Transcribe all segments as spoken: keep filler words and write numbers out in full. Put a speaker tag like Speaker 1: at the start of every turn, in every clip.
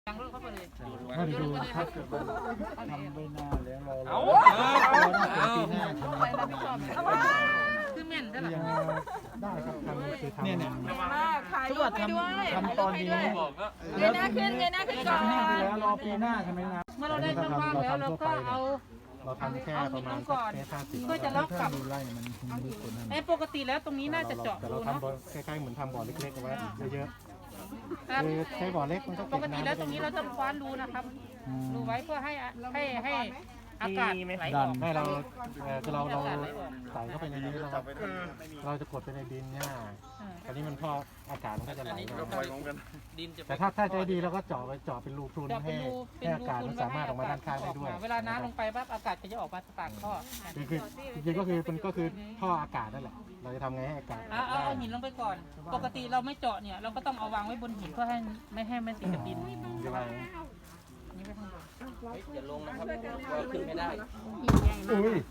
Speaker 1: ยังรถเข้าไปเลย
Speaker 2: ถ้าดูถ้าเกิดว่าทำไม่นานแล้วเรา
Speaker 3: เอา
Speaker 2: เราปีหน้าทำไม่นาน
Speaker 1: คือเม่นใช่ไหม
Speaker 2: ยังได้ครับทำคือทำเนี่ยเนี่ย
Speaker 4: มากถ่ายรูปไปด้วย
Speaker 2: ทำตอนนี้
Speaker 3: บอกก็
Speaker 4: เงยหน้าขึ้นเงยหน้าขึ้นก่อน
Speaker 2: ปีหน้าไปแล้วรอปีหน้าใช่ไหมนะ
Speaker 1: เมื่อเราได้ช่องว่างแล้วเราก็เอา
Speaker 2: เราทำแค่ประมาณแค่ห้าสิบ
Speaker 1: เพื่อจะล็อกกับ
Speaker 2: ดูไล่มันมันลึกกว่านั้น
Speaker 1: ไอ้ปกติแล้วตรงนี้น่าจะเจาะ
Speaker 2: แต่
Speaker 1: รู
Speaker 2: เรา
Speaker 1: เนาะ
Speaker 2: ทำบ่อคล้ายๆเหมือนทำบ่อเล็กๆเอาไว้เยอะ
Speaker 1: ครับ
Speaker 2: ๆคือใช้บ่อเล็กมันก็
Speaker 1: ป
Speaker 2: เก็บ
Speaker 1: กติ
Speaker 2: น้ำ
Speaker 1: แล้วตรงนี้เราจะคว้านรูนะครับรูไว้เพื่อให้ให้ให้อากาศไหลอ
Speaker 2: ดั
Speaker 1: อน ก
Speaker 2: ให้เราเอ่อคือเราเราใส่เข้าไปในนี้เราเราจะกดไปในดินเนี่ยอันนี้มันพออากาศมันก็จะไหลมา
Speaker 3: ดินจะ
Speaker 2: แต่ถ้าถ้าใจดีเราก็เจาะไปเจาะเป็นรูพรุน
Speaker 1: เจาะเป็
Speaker 2: ให้
Speaker 1: นรูเป็
Speaker 2: ให้
Speaker 1: น
Speaker 2: อา
Speaker 1: รู
Speaker 2: กาศ
Speaker 1: คุ
Speaker 2: มัน
Speaker 1: ณ
Speaker 2: สามารถออกมาด้านข้างได้ด้วย
Speaker 1: เวลาน้ำลงไปปั๊บอากาศก็จะออกมาปากท่อ
Speaker 2: คือคือจริงๆก็คือมันก็คือท่ออากาศนั่นแหละเราจะทำไงให้อากาศ
Speaker 1: เอาเอาเอาหินลงไปก่อน ปกติเราไม่เจาะเนี่ยเราก็ต้องเอาวางไว้บนหินเพื่อให้ไม่ให้มันติดกับดิน
Speaker 2: ใช่ไหม
Speaker 1: นี่ไปข้างบน
Speaker 3: อย่าลงนะครับเราขึ้นไม่ได้
Speaker 2: อุ้ย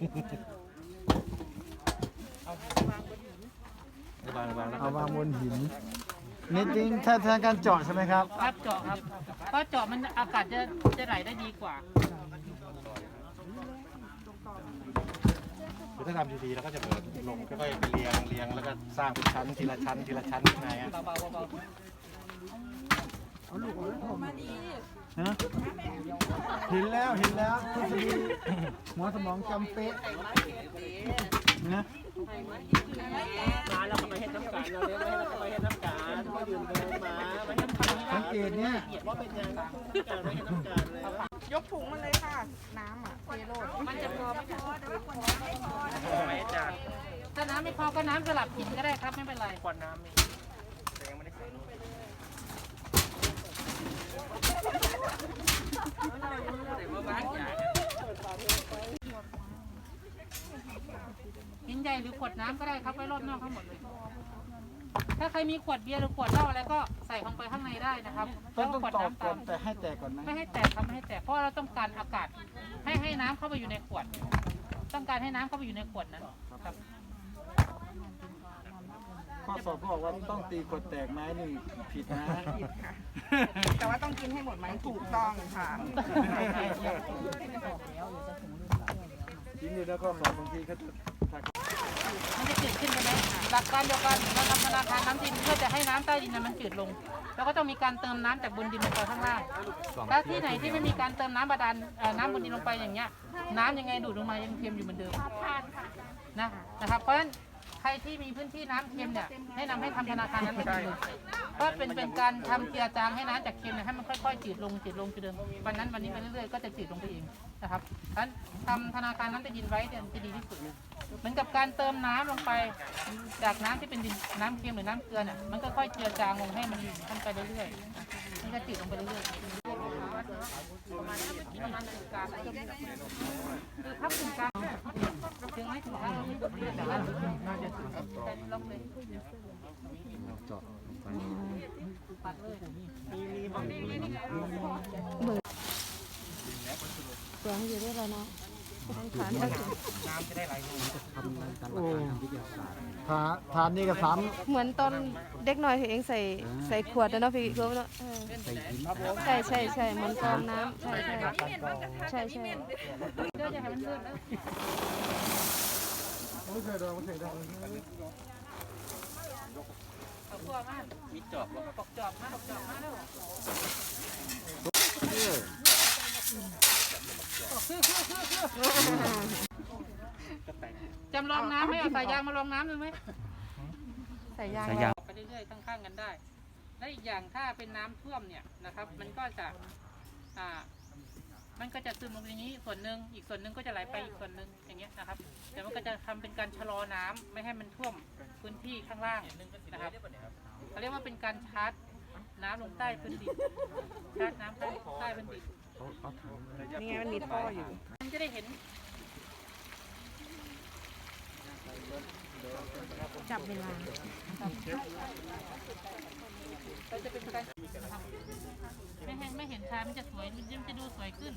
Speaker 3: วางวางแล้ว
Speaker 2: เอาวางบนหินนิดนึงถ้าทางการเจาะใช่ไหมครับ
Speaker 1: ครับเจาะครับเพราะเจาะมันอากาศจะจะไหลได้ดีกว่า
Speaker 2: คือถ้าทำดีๆเราก็จะเปิดลงค่อยๆไปเรียงเรียงแล้วก็สร้างเป็นชั้นทีละชั้นทีละชั้นยังไงอ่ะ
Speaker 1: เบาๆเบา
Speaker 2: ฮะเห็นแล้วเห็นแล้วทฤษฎีหมอสมองจำเป๊ะนะ
Speaker 3: มาแล้วก็ไปให้น้ำการเราเลี้ยงไว้แล้วก็ไปให้น้ำการมาดื่มเดินมาไปให้น้ำการ
Speaker 2: สังเกตเนี่ย
Speaker 3: ว่าเป็นยังการไปให้น้ำการเลย
Speaker 4: ยกถุงมาเลยค่ะ น้ำอ่ะเทโลด
Speaker 1: ๆมันจะพอไหมคะ
Speaker 3: ไม่จ่า
Speaker 1: ถ้าน้ำไม่พอก็น้ำสลับหินก็ได้ครับไม่เป็นไร
Speaker 3: ควันน้ำนี่แต่ยังไม่ได้ใส่
Speaker 1: หินใหญ่หรือขวดน้ำก็ได้ครับไว้รอบนอกทั้งหมดเลย ถ้าใครมีขวดเบียร์หรือขวดเหล้าอะไรก็ใส่ลงไปข้างในได้นะครับ
Speaker 2: ต้
Speaker 1: แล้
Speaker 2: อง
Speaker 1: วก็
Speaker 2: ต้อง
Speaker 1: ขวด
Speaker 2: ตอก
Speaker 1: น้ำ
Speaker 2: ก่อ
Speaker 1: ตาน ม
Speaker 2: แต่ให้แตกก่อนไหม
Speaker 1: ไม่ให้แตกครับไม่ให้แตกเพราะเราต้องการอากาศให้ให้น้ำเข้าไปอยู่ในขวด ต้องการให้น้ำเข้าไปอยู่ในขวดนั้นครับ
Speaker 2: ข้อสอบบอกว่าต้องตีขวดแตกไม้หนึ่งผิดนะ
Speaker 4: ผิดค่ะ แต่ว่าต้องกินให้หมดไหมถูกต้องค่ะ
Speaker 2: จริงๆแล้วก็สอบบางทีเขาจะ
Speaker 1: มันจะจืดขึ้นใช่ไหมหลักการเดียวกันเราทำธนาคารน้ำดินเพื่อจะให้น้ำใต้ดินมันจืดลง แล้วก็ต้องมีการเติมน้ำจากบนดินลงไปข้างล่างถ้าที่ไหนที่ไม่มีการเติมน้ำบาดาลเอ่อน้ำบนดินลงไปอย่างเงี้ย น้ำยังไงดูดลงมายังเค็มอยู่เหมือนเดิมนะนะครับเพราะฉะนั้นใครที่มีพื้นที่น้ำเค็มเนี่ยแนะนำให้ทำธนาคารนั้นเป็นเลยเพราะเป็นเป็นการทำเจือจางให้น้ำจากเค็มเนี่ยให้มันค่อยๆจืดลงจืดลงจืดเดิมวันนั้นวันนี้ไปเรื่อยๆก็จะจืดลงไปเองนะครับเพราะฉะนั้นทำธนาคารน้ำใต้ดินไว้เนี่ยจะดีที่สุดเหมือนกับการเติมน้ำลงไปจากน้ำที่เป็นดินน้ำเค็มหรือน้ำเกลือเนี่ยมันก็ค่อยเจือจางลงให้มันมันไปเรื่อยๆมันก็จืดลงไปเรื่อยๆประมาณนี้ประมาณถึงกลางคือถ้าถึงกลางถึงไม่ถึงกลางไม่ถึงแต่ว่าน่าจะถึงแต่ลงเลย
Speaker 2: เจาะไป
Speaker 1: ปัดเลย
Speaker 5: เสียงอยู่ด้วยแล้วเนาะฐาน
Speaker 3: น้ำจะได้ไหลลง
Speaker 2: โอ้ทาทานนี่ก็สาม
Speaker 5: เหมือนตอนเด็กน้อยที่เองใส่ใส่ขวดนะเนาะพี่รู้เนาะเออใช่ใช่ใช่เหมือนกรองน้ำใช่ใช่ใช่ใช่
Speaker 1: เดี๋ยวจะให้มันเลื่อนแล้ว
Speaker 2: ไม่เคยโดนไม่เคยโดน
Speaker 1: เอาตัวมา
Speaker 3: มีจอบแล้ว
Speaker 1: ปอกจอบมาปอกจอบมาแล้วจำลองน้ำไหมเอาสายยางมาลองน้ำดูไหม
Speaker 5: ใส่ยาง
Speaker 1: ไปเรื่อยๆข้างๆกันได้ และอีกอย่างถ้าเป็นน้ำท่วมเนี่ยนะครับ มันก็จะอ่ามันก็จะซึมลงอย่างนี้ส่วนหนึ่งอีกส่วนหนึ่งก็จะไหลไปอีกส่วนหนึ่งอย่างเงี้ยนะครับแต่มันก็จะทำเป็นการชะลอน้ำไม่ให้มันท่วมพื้นที่ข้างล่างนะครับเขาเรียกว่าเป็นการชาร์จน้ำลงใต้พื้นดินชาร์จน้ำใต้ใต้พื้นดิน
Speaker 4: นี่ไงมันมีท่ออยู่
Speaker 1: มันจะได้เห็น
Speaker 5: จับเวลา
Speaker 1: เราจะเป็นการทำไม่เห็นไม่เห็นชา มันจะสวย มันจะดูสวยขึ้น